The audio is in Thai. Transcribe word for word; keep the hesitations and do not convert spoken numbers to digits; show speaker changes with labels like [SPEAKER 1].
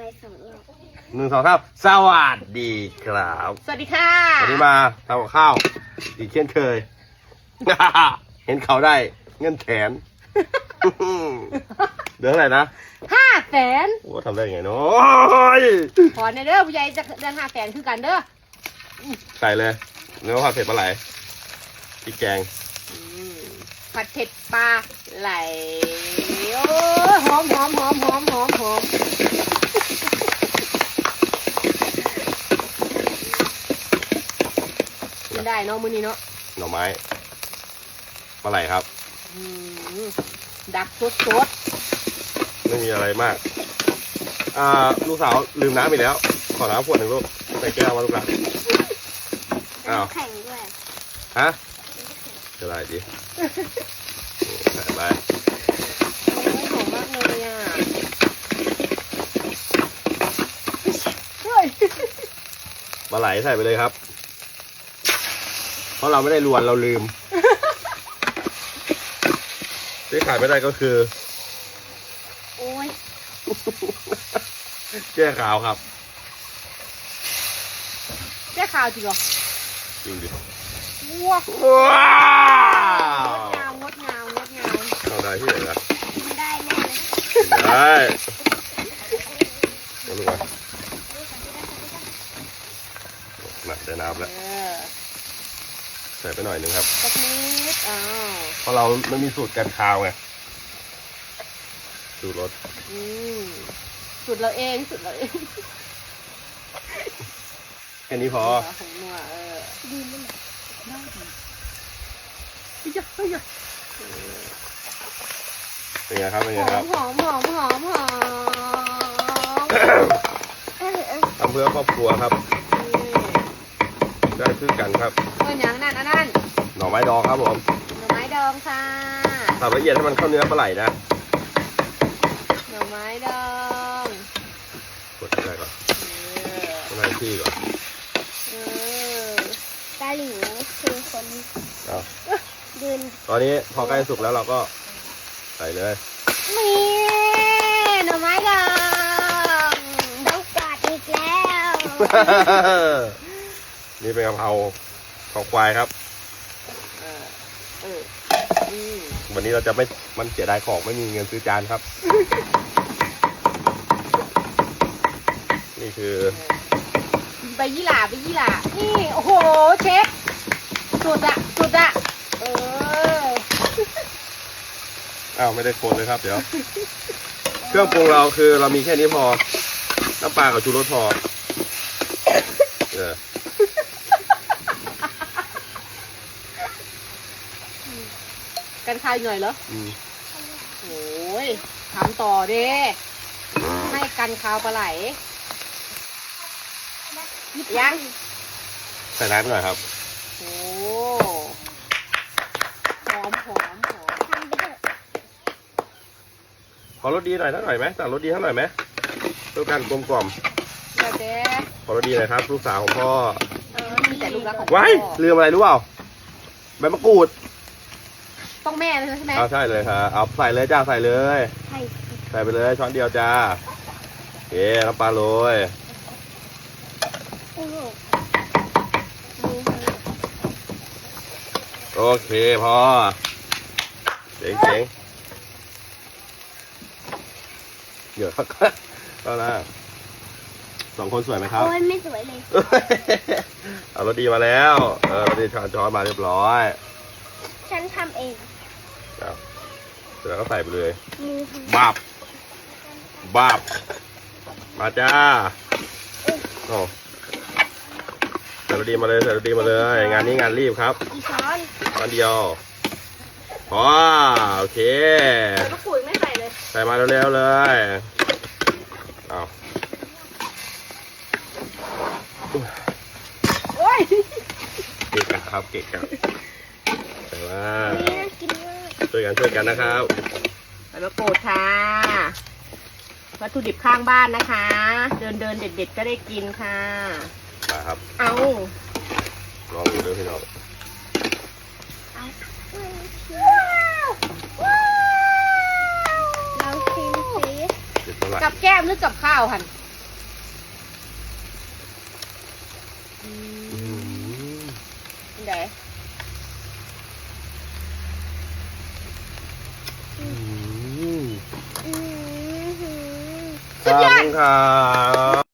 [SPEAKER 1] สองรอบ
[SPEAKER 2] หนึ่งสองสามสวัสดีครับ
[SPEAKER 3] สวัสดีค่ะ
[SPEAKER 2] วันนี้มาทำกับข้าวอีกเช่นเคย เห็นเขาได้เงินแขน เดือนอะไรนะ
[SPEAKER 3] ห้าแสน
[SPEAKER 2] โอ้ทำได้ไงเนาะ
[SPEAKER 3] ขอในเด้อผู้ใหญ่จะเดือนห้าแสนคือกันเด้อ
[SPEAKER 2] ใส่เลยเนื้อผัดเผ็ดปลาไหลพริกแกง
[SPEAKER 3] อืมผัดเผ็ดปลาไหลโอ้ยหอมหอมหอมหอมหอมหอมกินได้เนาะมื้อนี้เนาะ
[SPEAKER 2] หน่อไม้ปลาไหลครับ
[SPEAKER 3] อืมดักสดสด
[SPEAKER 2] ไม่มีอะไรมาก อ่าลูกสาวลืมน้ำอีกแล้ว ขอน้ำขวดหนึ่งลูกใส่แก้วมาลูกหลานอ้าว
[SPEAKER 1] แข่งด้วย
[SPEAKER 2] ฮะจะไรดิใส่ไป
[SPEAKER 3] โอ้ยหอมมากเลยอ่ะเฮ้ย
[SPEAKER 2] ปลาไหลใส่ไปเลยครับ เพราะเราไม่ได้รวนเราลืม ที่ขายไม่ได้ก็คือ
[SPEAKER 1] โอ้ย
[SPEAKER 2] แก้ขาวครับ
[SPEAKER 3] แค่ข่าวจริงเหรอ
[SPEAKER 2] จริงดิ
[SPEAKER 3] ว้าว
[SPEAKER 2] ว้าว
[SPEAKER 3] งดงามงดงามงดงาม
[SPEAKER 2] เอาได้ที่ไหนนะ
[SPEAKER 1] กินได้แน่เลย
[SPEAKER 2] ได้เอาลูกมาหนักได้น้ำแล้ว
[SPEAKER 3] เออ
[SPEAKER 2] ใส่ไปหน่อยหนึงครับ
[SPEAKER 3] สักนิดอ้าว
[SPEAKER 2] เพราะเราไม่มีสูตรการคาวไง สูตรรส
[SPEAKER 3] อืมสุดเราเองสุดเราเอง
[SPEAKER 2] แค่นี้พอ
[SPEAKER 3] ของนัวเออ
[SPEAKER 1] ดีไหม
[SPEAKER 3] ได้ดีเฮ้ยเฮ้ย
[SPEAKER 2] เป็นไงครับ เป็น
[SPEAKER 3] ห
[SPEAKER 2] ไง
[SPEAKER 3] อ
[SPEAKER 2] ครั
[SPEAKER 3] ม
[SPEAKER 2] บ
[SPEAKER 3] หอมหอมหอมหอม
[SPEAKER 1] เออเออ
[SPEAKER 2] ทำเพื่อครอบครัวครับ ได้ซื้อกันครับ
[SPEAKER 3] เพื่อนอย่างนั้นอันนั้น
[SPEAKER 2] หน่อไม้ดองครับผม
[SPEAKER 3] หน่อไม้ดองค่ะ
[SPEAKER 2] สับละเอียดให้มันเข้าเนื้อปลาไหลนะ
[SPEAKER 3] หน่อไม้ดอง
[SPEAKER 2] กดได้ก่อน
[SPEAKER 3] เออ
[SPEAKER 2] ต้องให้ที่ก่อน
[SPEAKER 3] เออ
[SPEAKER 1] ตาหลิวคือคน
[SPEAKER 2] เอา
[SPEAKER 1] ยืน
[SPEAKER 2] ตอนนี้พอใกล้สุกแล้วเราก็ใส่เลย
[SPEAKER 3] นี่หน่อไม้ดอง
[SPEAKER 1] ต้องกอดอีกแล้ว
[SPEAKER 2] นี่เป็นกะเพราของควายครับ
[SPEAKER 3] เออเอออืม
[SPEAKER 2] วันนี้เราจะไม่มันเสียดายของไม่มีเงินซื้อจานครับ นี่คือ
[SPEAKER 3] ใบยี่หร่าใบยี่หร่านี่โอ้โหเชฟสุดอะสุดอะเออ
[SPEAKER 2] อ้าวไม่ได้คนเลยครับ เดี๋ยว เครื่องปรุงเราคือเรามีแค่นี้พอน้ำปลากับชูรสพอเออ
[SPEAKER 3] กันคายหน่อยเหรอ
[SPEAKER 2] อืม
[SPEAKER 3] โอ้ยทำต่อเด้ให้กันคาวปลาไหลยัง
[SPEAKER 2] ใส่น้ำไปหน่อยครับ
[SPEAKER 3] โอ้หอมหอมหอม
[SPEAKER 1] ทำไปเถอะ
[SPEAKER 2] ขอรสดีหน่อยสักหน่อยไหมสั่งรสดีสักหน่อยไหมเพื่อการกลมกล่อม
[SPEAKER 3] เดี๋ยวเจ๊
[SPEAKER 2] ขอรสดีหน่อยครับลูกสาวของพ่อ
[SPEAKER 3] เออมีแต่ลูกรักของ
[SPEAKER 2] ไว้
[SPEAKER 3] พ่อ
[SPEAKER 2] ลืมอะไรรู้เปล่าใบมะกรูด
[SPEAKER 3] ต้องแม่เลยใช่ไหม
[SPEAKER 2] เอาใช่เลยครับเอาใส่เลยจ้าใส่เลย
[SPEAKER 1] ใช่
[SPEAKER 2] ใส่ไปเลยช้อนเดียวจ้าโอเคน้ำปลาโรย
[SPEAKER 1] โอ้โห
[SPEAKER 2] โอเคพอเจ๋งเจ๋งเดี๋ยวก็นะสองคนสวยไหมครับ
[SPEAKER 1] โอ้ยไม่สวยเลย
[SPEAKER 2] เอารถดีมาแล้วเออรถดีช้อนช้อนมาเรียบร้อย
[SPEAKER 1] ฉันทำเอง
[SPEAKER 2] เอาเสร็จแล้วก็ใส่ไปเลย
[SPEAKER 1] มือ
[SPEAKER 2] บับบับมาจ้าโอ้ใส่รถดีมาเลยใส่รถดีมาเลย งานนี้งานรีบครับ
[SPEAKER 1] อีช้อน
[SPEAKER 2] ช้อนเดียวพอโอเค
[SPEAKER 3] แต่มะกรูดไม่ใส่เลย
[SPEAKER 2] ใส่มาเร็วๆเลยเอา
[SPEAKER 3] โอ้ย
[SPEAKER 2] เกะกะครับเกะกะใส่มา
[SPEAKER 1] นี่น่ากินมาก
[SPEAKER 2] ช่วยกันช่วยกันนะครับ
[SPEAKER 3] ใส่มะกรูดค่ะวัตถุดิบข้างบ้านนะคะ เดินเดินๆเด็ดๆก็ได้กินค่ะ
[SPEAKER 2] มาครับ
[SPEAKER 3] เอา
[SPEAKER 2] ลองดูด้วยพี่น้อง
[SPEAKER 1] เอาว้าวเราชิมสิ
[SPEAKER 2] เด็ดเท่าไหร่
[SPEAKER 3] กับแก้มหรือกับข้าวหัน
[SPEAKER 1] ก
[SPEAKER 3] อื
[SPEAKER 2] อื
[SPEAKER 3] ม
[SPEAKER 2] ม
[SPEAKER 3] ไหน
[SPEAKER 2] อืม
[SPEAKER 1] อืม
[SPEAKER 2] ขอบคุณครับ